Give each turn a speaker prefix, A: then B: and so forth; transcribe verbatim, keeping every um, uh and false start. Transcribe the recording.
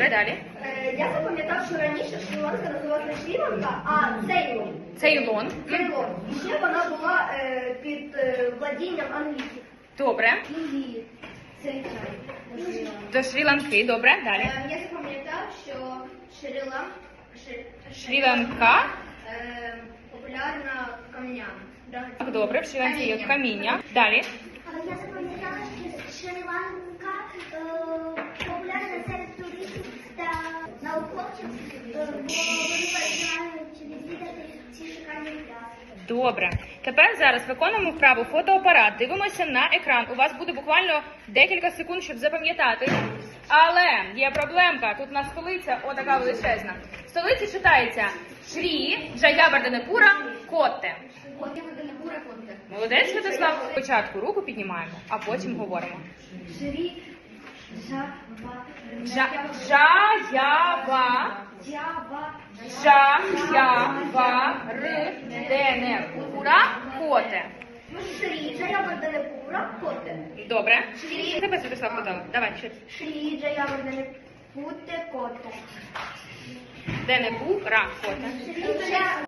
A: Добре, далі.
B: Е, Я запам'ятав, що раніше Шрі-Ланка називалася Шрі-Ланка, а Цейлон.
A: Цейлон.
B: Цейлон. І ще вона була е, під е, владінням англійців.
A: Добре.
B: Індії. Це
A: До Шрі-Ланки. Добре, далі.
B: Е, Я запам'ятав, що Шрі-Лан...
A: Шрі-Ланка.
B: е, популярна камнями.
A: Так, добре, в Шрі-Ланці є каміння. Далі.
C: Я запам'ятала, що Шрі-Ланка е, популярна серед туристів та науковців, е, бо вони бажають відвідати ці шикарні пляжі.
A: Добре. Тепер зараз виконуємо вправу фотоапарат. Дивимося на екран. У вас буде буквально декілька секунд, щоб запам'ятати. Але є проблемка. Тут у нас столиця, отака величезна. В столиці читається Шрі Джаяварденепура Котте. Молодець, Святослав. Спочатку руку піднімаємо, а потім говоримо.
B: Шрі... Жава...
A: Джа... Джаява...
B: Джава...
A: Джаяварденепура Котте.
B: Шрі Джаяварденепура Котте.
A: Добре.
B: Шрі...
A: Тебе, Святослав, подав. Давай, ще.
B: Шрі Джаяварденепура Котте.
A: Денепура Котте.
B: Шрі